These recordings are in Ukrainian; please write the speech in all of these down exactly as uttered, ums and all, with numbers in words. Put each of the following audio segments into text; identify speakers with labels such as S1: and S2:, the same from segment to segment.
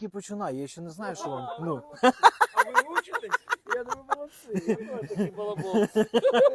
S1: тільки починаю, я ще не знаю, що вам. Ну.
S2: А ви учитесь? Я думаю, молодці. Ви такі балаболці.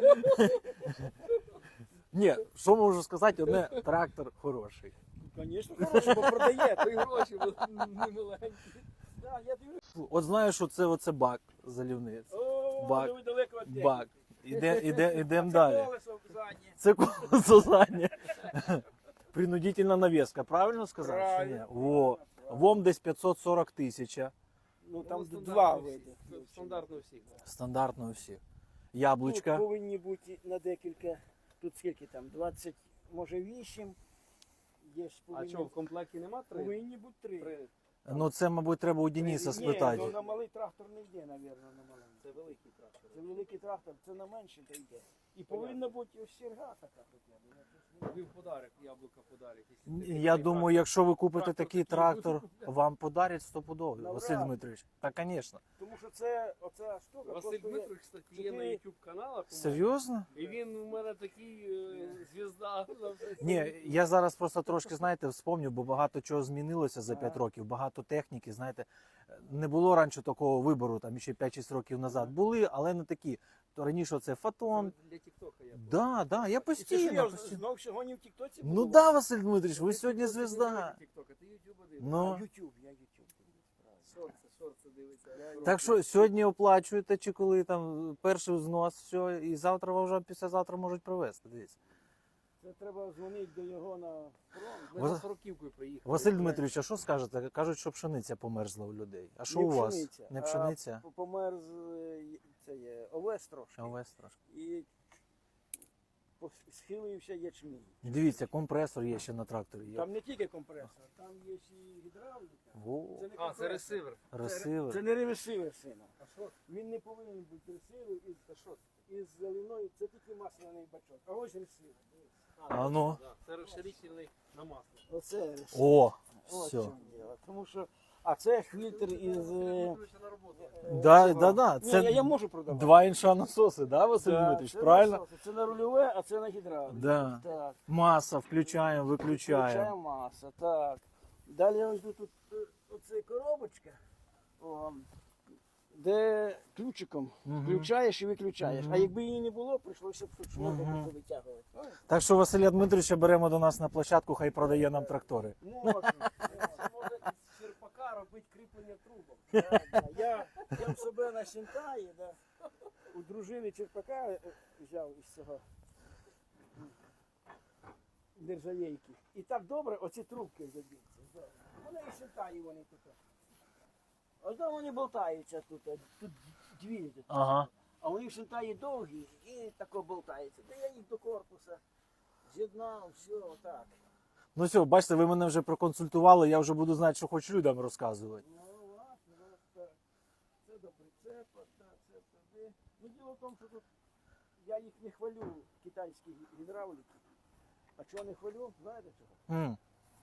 S1: Ні, що можу сказати, одне, трактор хороший.
S2: Звісно, хороший, бо продає, то й гроші, бо не маленькі. Да, я дивлюсь.
S1: От знаю, що це оце бак залівниць.
S2: О,
S1: Бак.
S2: ви далеко від техніки.
S1: Бак. Іде, іде, ідемо
S2: Це
S1: далі.
S2: колесо заднє.
S1: Це колесо заднє. Принудительна навіска, правильно сказав? чи ні?
S2: Правильно.
S1: Во. Вом десь п'ятсот сорок тисяч.
S2: Ну там
S3: Ну,
S2: два
S3: стандартно
S2: види.
S3: всі. Стандартно у всіх. да.
S1: Стандартно у всіх.
S2: Тут
S1: Яблучка.
S2: повинні бути на декілька, тут скільки там, двадцять, може вісім. Є ж
S3: А
S2: повинні,
S3: що, в комплекті нема три?
S2: повинні бути три.
S3: Три.
S1: Ну це, мабуть, треба у Дениса
S2: Ні,
S1: спитати.
S2: то на малий трактор не йде, мабуть, на маленький.
S3: Це великий трактор.
S2: Це великий трактор, це на менший то йде. І повинна бути ось серга така хоча б. Я щось не-
S3: Тобі в подарок, яблука подарять. якщо ти
S1: Я
S3: такий
S1: думаю, якщо ви купите
S3: Трактор
S1: такий
S3: такий
S1: трактор,
S3: буде.
S1: вам подарять стопудово,
S2: Навряд.
S1: Василь Дмитрович. Та, звісно.
S2: Тому що це, оця штука
S3: Василь
S2: коштує-
S3: Дмитрович, кстати, є на
S2: чотири-
S3: YouTube каналах. у мене.
S1: Серйозно?
S3: І він у мене такий е, звізда. на все.
S1: Ні, я зараз просто трошки, знаєте, вспомню, бо багато чого змінилося за п'ять
S2: Ага.
S1: років, багато техніки, знаєте. Не було раніше такого вибору, там ще п'ять-шість років назад. Були, але не такі. То раніше це фотон.
S3: Для Тіктока я.
S1: Да, да, я
S2: І це що,
S1: постійно.
S2: я
S1: постійно.
S2: знов сьогодні в Тіктоці
S1: Ну
S2: буду?
S1: да, Василь Дмитрович, ви
S3: Ти
S1: сьогодні
S3: TikTok, ти не
S1: звізда.
S3: дивишся TikTok, а ти YouTube один.
S2: А,
S1: Ну,
S2: Ютуб, я Ютуб.
S3: Шорти, шорти дивиться.
S1: так що сьогодні оплачуєте, чи коли там перший взнос, все, і завтра вам вже післязавтра можуть привезти. Дивіться.
S2: Це треба дзвонити до його на фронт.
S3: Ми
S1: Вас-
S3: за сороківкою приїхали.
S1: Василь Дмитрович, а що скажете? Кажуть, що пшениця померзла у людей. А що
S2: Не
S1: у вас?
S2: пшениця,
S1: Не
S2: а
S1: пшениця?
S2: п- Померз е, це є овес трошки.
S1: Овес трошки.
S2: І пос- схилився ячмінь.
S1: Дивіться, компресор є ще на тракторі. Є.
S2: Там не тільки компресор, там є ще і гідравліка.
S1: Во,
S2: Це не
S3: А, це
S2: компресор.
S3: ресивер.
S2: Це,
S1: ресивер.
S2: це не ресивер, сина.
S3: А що?
S2: Він не повинен бути ресивер із, із заливною, це тільки масляний бачок. А ось ресивер.
S1: А ну.
S3: Да, це розширительний на масло.
S2: Оце ресивер.
S1: О,
S2: Ось в
S1: все.
S2: чому діло. Тому що, а це фільтр із... е,
S3: Дмитровича на роботу.
S1: Да,
S2: цього.
S1: да, да.
S2: Ні,
S1: Це
S2: я, я можу продавати.
S1: два інша насоси, да, Василь
S2: Да,
S1: Дмитрович?
S2: це
S1: Правильно?
S2: насоси. Це на рульове, а це на гідравліку.
S1: Да.
S2: Так.
S1: Маса, включаємо, виключаємо.
S2: Включаємо маса, так. Далі ось тут е, оце коробочка, о, де ключиком
S1: Мгм.
S2: включаєш і виключаєш.
S1: Мгм.
S2: А якби її не було, прийшлося б тут шнуром
S1: Мгм.
S2: витягувати.
S1: Так що Василя Дмитровича беремо до нас на площадку, хай продає нам трактори.
S2: Можна.
S3: Це може із черпака робити кріплення трубок.
S2: Да, да. Я, я в себе на Сінтаї, да, у дружини черпака е, взяв із цього нержавейки. І так добре оці трубки заб'ються. Да. Вони і Сінтаї вони тут. Ось там вони болтаються тут. Тут дві. Тут.
S1: Ага.
S2: А вони в Сінтаї довгі і тако болтаються. Та я їх до корпуса з'єднав, все, отак.
S1: Ну все, бачите, ви мене вже проконсультували, я вже буду знати, що хоч людям розказувати.
S2: Ну, власне, так. Це до прицепа, так, це туди. Ну, діло в тому, що тут я їх не хвалю, китайські гідравліки. А чого не хвалю? Знаєте чого?
S1: М.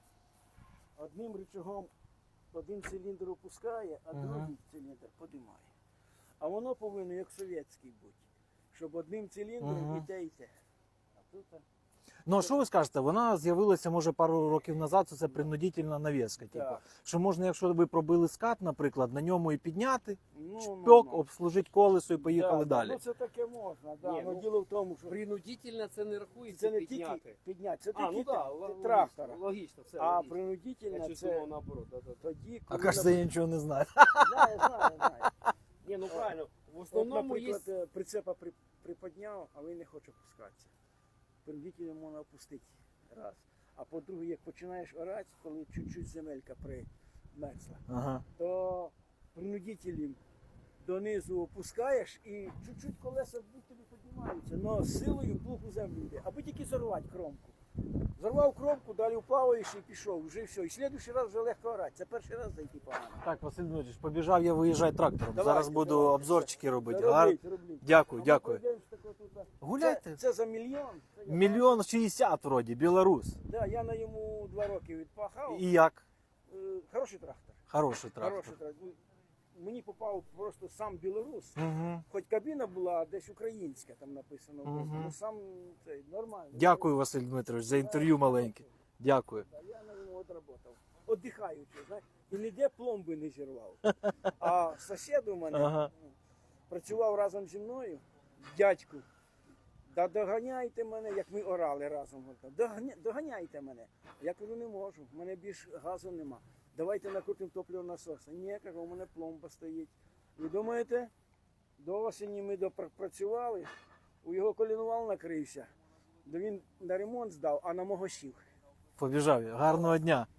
S2: Одним рычагом один циліндр опускає, а
S1: Мгм.
S2: другий циліндр подимає. А воно повинно як совєтський бути, щоб одним циліндром
S1: Мгм.
S2: і те, і те. А тут а,
S1: Ну а що ви скажете? Вона з'явилася, може, пару років назад, це принудительна навіска. Типу.
S2: так.
S1: Що можна, якщо ви пробили скат, наприклад, на ньому і підняти,
S2: Ну,
S1: шпьок,
S2: ну, ну.
S1: обслужити колесо і поїхали
S2: Да,
S1: далі.
S2: Ну це таке можна, да.
S3: Ні,
S2: Ну,
S3: ну,
S2: діло в тому, що
S3: Принудительно це не рахується
S2: це не
S3: підняти.
S2: тільки підняти, це
S3: А, ну
S2: тільки
S3: так,
S2: те-
S3: да,
S2: трактора.
S3: логічно, логічно, все
S2: А
S3: логічно.
S2: принудительно
S3: Я
S2: це
S3: чувствував наоборот. Да, да, да.
S2: тоді,
S1: А
S2: коли...
S1: кажете, я нічого не знаю.
S2: Знаю, знаю, знаю.
S3: Ні, ну правильно. В
S2: От,
S3: основному є...
S2: наприклад, е, прицепа при, приподняв, а він не хоче опускатися. Принудительно можна опустити раз. А по-друге, як починаєш орати, коли чуть-чуть земелька примерзла,
S1: Ага.
S2: то принудителем донизу опускаєш і чуть-чуть колеса будь тобі піднімаються, але з силою плуг у землю йде, аби тільки зорвати кромку. Зарвав кромку, далі вплаваєш і пішов, вже все. І слідуючий раз вже легко орати. Це перший раз зайти погано.
S1: Так, Василь Дмитрович, побіжав я виїжджати трактором.
S2: Давайте,
S1: Зараз буду
S2: давайте.
S1: обзорчики робити.
S2: Робіть,
S1: Гар...
S2: робіть.
S1: Дякую,
S2: А ми
S1: дякую.
S2: пройдемось тако тут.
S1: Гуляйте.
S2: Це, це за мільйон. Це я-
S1: Мільйон шістдесят вроді, білорус.
S2: Да, я на йому два роки відпахав.
S1: І як?
S2: Е, Хороший трактор.
S1: Хороший трактор.
S2: Хороший трактор. Ну, мені попав просто сам білорус.
S1: Угу.
S2: Хоч кабіна була десь українська, там написано.
S1: Мгм.
S2: Ну сам цей нормально.
S1: Дякую, Василь Дмитрович, за інтерв'ю маленьке. Дякую.
S2: Да, я на ньому відработав. Отдихаючи, знаєш. і ніде пломби не зірвав. А сусід у мене
S1: Ага.
S2: працював разом зі мною, дядьку. Да доганяйте мене, як ми орали разом. Доганя- Доганяйте мене. Я кажу, не можу, в мене більш газу нема. Давайте накрутимо топливо насоса. Ні, кажу, у мене пломба стоїть. Ви думаєте, до осені ми допрацювали, у його колінвал накрився, да він на ремонт здав, а на мого сів.
S1: Побіжав я. Гарного дня.